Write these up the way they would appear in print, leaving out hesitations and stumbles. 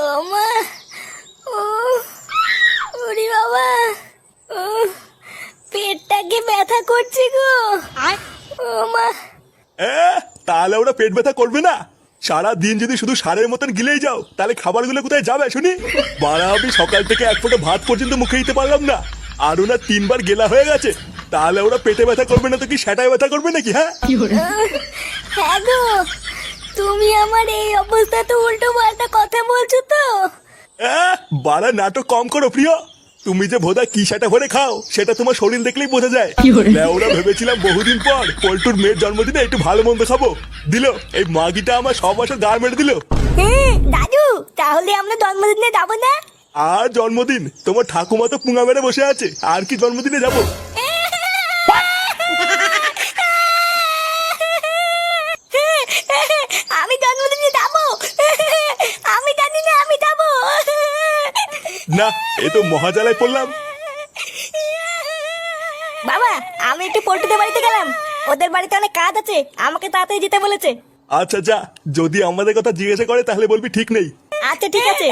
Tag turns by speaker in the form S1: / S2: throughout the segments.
S1: মা, ও ওরে বাবা, ও পেটটাকে ব্যথা করছে গো। ও মা।
S2: তাহলে ওরা পেট ব্যথা করবে না? সারা দিন যদি শুধু সারের মতন গিলেই যাও তাহলে খাবারগুলো কোথায় যাবে শুনি? বাড়া, আমি সকাল থেকে এক ফোঁটা ভাত পর্যন্ত মুখে দিতে পারলাম না, আর ওরা 3বার গেলা হয়ে গেছে। তাহলে ওরা পেটে ব্যথা করবে না তো কি সেটাই ব্যথা করবে নাকি? হ্যাঁ
S1: হ্যাঁ গো, তুমি আমার এই অবস্থা তো উল্টো পাল্টা কথা বলছো তো।
S2: বাড়া, নাটক কম করো প্রিয়। তুমি যে ভোদা কি সেটা ভরে খাও সেটা তোমার শরীর দেখলেই বোঝা যায়। ওরা ভেবেছিলাম বহুদিন পর পল্টুর মেয়ের জন্মদিনে একটু ভালো মন্দ খাবো, দিল এই মাগিটা আমার সব বছর গা মেরে দিল।
S1: দাদু, তাহলে আমরা জন্মদিনে যাবো না?
S2: আর জন্মদিন? তোমার ঠাকুমা তো পুঙা মেরে বসে আছে, আর কি জন্মদিনে যাবো?
S1: আমি জন্মদিনে যাবো, আমি জানি না আমি যাবো।
S2: না, এ তো মহাজালায় পড়লাম।
S1: বাবা, আমি একটু পল্টুদের বাড়িতে গেলাম, ওদের বাড়িতে অনেক কাজ আছে, আমাকে তাড়াতাড়ি যেতে বলেছে।
S2: আচ্ছা যা, যদি আমাদের কথা জিজ্ঞাসা করে তাহলে বলবি ঠিক নেই।
S1: আচ্ছা ঠিক আছে।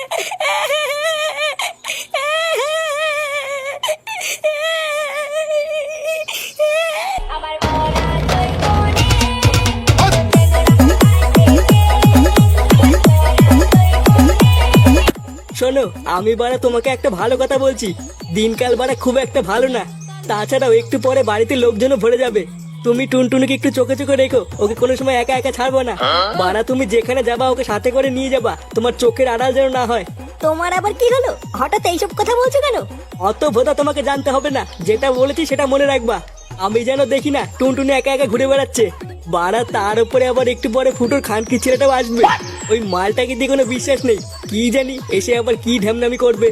S3: শোনো, আমি বাড়া তোমাকে একটা ভালো কথা বলছি, দিনকাল বাড়া খুব একটা ভালো না। তাছাড়াও একটু পরে বাড়িতে লোকজনও ভরে যাবে। তুমি টুনটুনিকে একটু চোখে চোখে রেখো, ওকে কোনো সময় একা একা ছাড়বো না। বাড়া, তুমি যেখানে যাবা ওকে সাথে করে নিয়ে যাবা, তোমার চোখের আড়াল যেন না হয়।
S1: তোমার আবার কি হলো, হঠাৎ এইসব কথা বলছো কেন?
S3: অত ভোদা তোমাকে জানতে হবে না, যেটা বলেছি সেটা মনে রাখবা। আমি যেন দেখি না টুনটুনি একা একা ঘুরে বেড়াচ্ছে। বাড়া, তার উপরে আবার একটু পরে ফুটোর খানকি ছেলেটাও আসবে। ওই মালটাকে দিয়ে কোনো বিশ্বাস নেই, কি জানি এসে আবার কি ঢ্যামনামি করবে।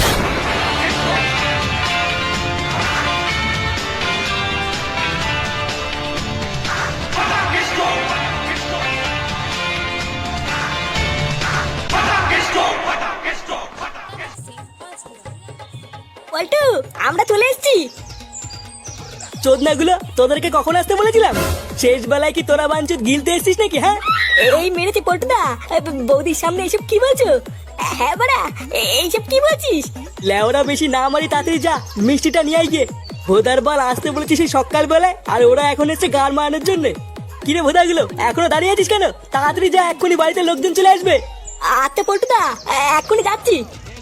S1: পল্টু, আমরা চলে এসেছি।
S3: চোদনাগুলো, তোদেরকে কখন আসতে বলেছিলাম? শেষ বেলায় কি তোরা বাঞ্চুত গিলতে এসেছিস নাকি? হ্যাঁ,
S1: এই মেরেছে পল্টুদা, বৌদির সামনে এইসব কি বলছো? হ্যাঁ বাড়া, এইসব কি বলছিস?
S3: লেওরা বেশি না মারি, তাড়াতাড়ি যা মিষ্টিটা নিয়ে আই গিয়ে। ভোদার বল আসতে বলেছিস সেই সকাল বেলায়, আর ওরা এখন এসছে গান মারানোর জন্য। কিরে ভোদাগুলো, এখনো দাঁড়িয়ে আছিস কেন? তাড়াতাড়ি যা, এক্ষুনি বাড়িতে লোকজন চলে আসবে।
S1: আচ্ছা পল্টুদা, এক্ষুনি যাচ্ছি।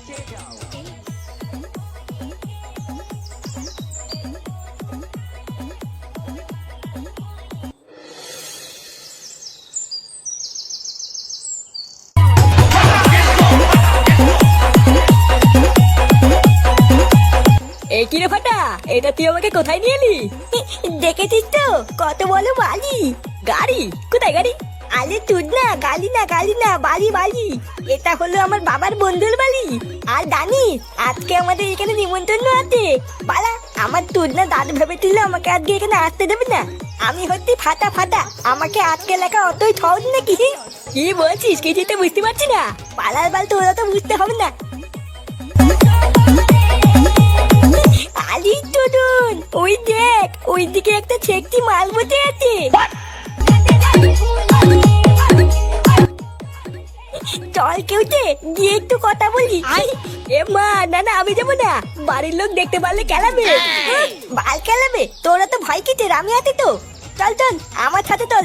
S3: এই কিরে ফাটা, এটা তুই আমাকে কোথায় নিয়ে এলি?
S1: দেখেছিস তো কত বলো বালি।
S3: গাড়ি? কোথায় গাড়ি?
S1: আরে তুই না, গালি না, গালি না, বালি বালি। এটা হলো আমার বাবার বন্ধুর বাড়ি। আর জানিস, আজকে আমাদের এখানে নিমন্ত্রণ আছে। বালা, আমার তুই না দাদু ভেবেছিল আমাকে আজকে এখানে আসতে দেবে না। আমি হচ্ছি ফাটা ফাটা, আমাকে আজকে লেখা অতই সহজ নাকি?
S3: কি বলছিস, কিছুই তো বুঝতে পারছি না।
S1: পালার বাল তোরা তো বুঝতে হবে না। আলি টুডুন, ওই দেখ, ওই দিকে একটা ছেকটি মাল বসে আছে। চল কেউতে গিয়ে একটু কথা বলি।
S3: এ মা, না না, আমি যাবো না, বাড়ির লোক দেখতে পারলে খেলাবে।
S1: বাল খেলাবে? তোরা তো ভয় কিসের, আমি আছি তো। চল চল আমার সাথে চল।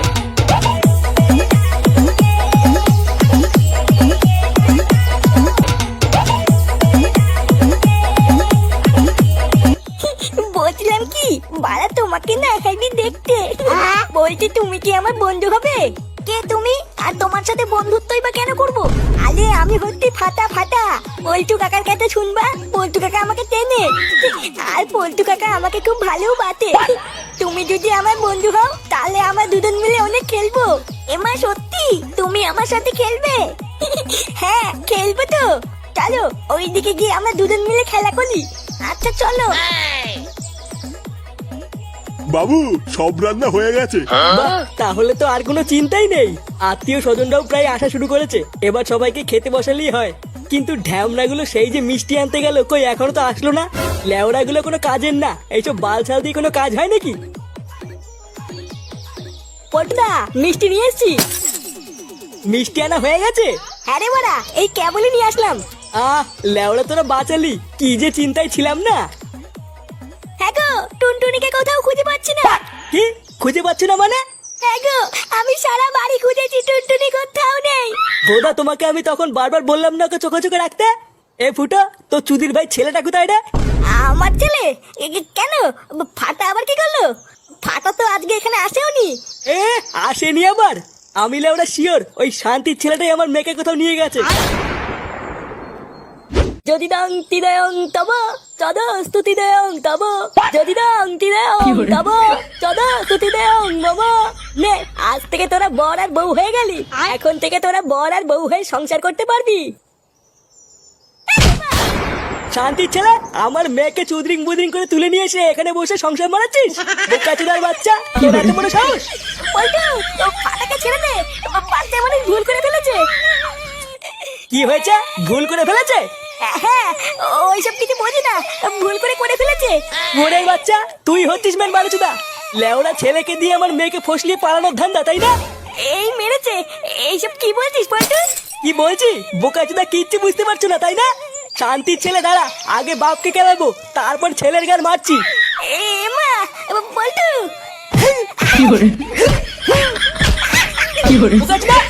S1: বলছিলাম কি, বাড়া তোমাকে না একদিন দেখতে। বলছি তুমি কি আমার বন্ধু হবে? কে তুমি? আর তোমার সাথে বন্ধুত্বই বা কেন করবো? আরে আমি হচ্ছি ফাটা ফাটা, পল্টু কাকার কাছে শুনবা, পল্টু কাকা আমাকে চেনে। আর পল্টু কাকা আমাকে খুব ভালোবাসে। তুমি যদি আমার বন্ধু হও তাহলে আমরা দুজন মিলে অনেক খেলবো। এমা সত্যি তুমি আমার সাথে খেলবে? হ্যাঁ খেলবো তো। চলো ওইদিকে গিয়ে আমরা দুজন মিলে খেলা করি। আচ্ছা চলো।
S2: বাবু, সব রান্না হয়ে গেছে।
S3: বাহ, তাহলে তো আর কোনো চিন্তাই নেই। আত্মীয় স্বজনরাও প্রায় আসা শুরু করেছে, এবার সবাইকে খেতে বসালেই হয়। কিন্তু ঢ্যামনাগুলো সেই যে মিষ্টি আনতে গেল, কই এখনো তো আসলো না। লেওড়াগুলো কোনো কাজের না, এইসব বালছাল দিয়ে কোনো কাজ হয় নাকি?
S1: পটুদা, মিষ্টি নিয়ে এসছি।
S3: মিষ্টি আনা হয়ে গেছে?
S1: হ্যাঁ রে বাড়া, এই কেবলই নিয়ে আসলাম।
S3: লেওড়া তোরা বাঁচালি, কি যে চিন্তায় ছিলাম না।
S1: হ্যাঁ গো, টুনটুনিকে কোথাও খুঁজে পাচ্ছি না।
S3: কি খুঁজে পাচ্ছ না মানে?
S1: হ্যাঁ গো, আমি সারা বাড়ি খুঁজেছি, টুনটুনি কোথাও নেই।
S3: বোধা তোমাকে আমি তখন বারবার বললাম না ওকে চোখে চোখে রাখতে। এ ফুটো, তো চুদির ভাই ছেলেটা কোথায় রে?
S1: আমার ছেলে? কেন, ফাটা আবার কি করলো? ফাটা তো আজকে এখানে আসেওনি।
S3: আসেনি আবার? আমি লেওড়া শিওর ওই শান্তির ছেলেটাই আমার মেয়েকে কোথাও নিয়ে গেছে।
S1: যদি দং তিদয়ং তব তদ স্তুতি দেয়ং তব, যদি দং তিদয়ং তব তদ স্তুতি দেয়ং মম। নে, আজ থেকে তোরা বর আর বউ হয়ে গেলি। এখন থেকে তোরা বর আর বউ হয়ে সংসার করতে পারবি।
S3: শান্তির ছেলে, আমার মেয়েকে চুদরিং বুদরিং করে তুলে নিয়ে এসে এখানে বসে সংসার মারাচ্ছিস? বোকাচোদার বাচ্চা, তোর এত বড় সাহস!
S1: পল্টু, ও ফাটাকে ছেড়ে দে, বাচ্চা মানুষ ভুল করে ফেলেছে।
S3: কি হয়েছে? ভুল করে ফেলেছে?
S1: হ্যাঁ, ওইসব কিছু বোঝে না, ভুল করে ফেলেছে।
S3: মোড়ের বাচ্চা, তুই হচ্ছিস মেন বারোচুদা। লেওড়া ছেলেকে দিয়ে আমার মেয়েকে ফসলিয়ে পালানোর ধান্দা, তাই না?
S1: এই মেরেছে, এইসব কি বলছিস পল্টু?
S3: কি বলছি? বোকাচোদা কিচ্ছু বুঝতে পারছো না, তাই না? শান্তির ছেলে দাঁড়া, আগে বাপকে কেলাবো, তারপর ছেলের গান মারছি।
S1: এ মা, পল্টু।
S3: বোকাচোদা,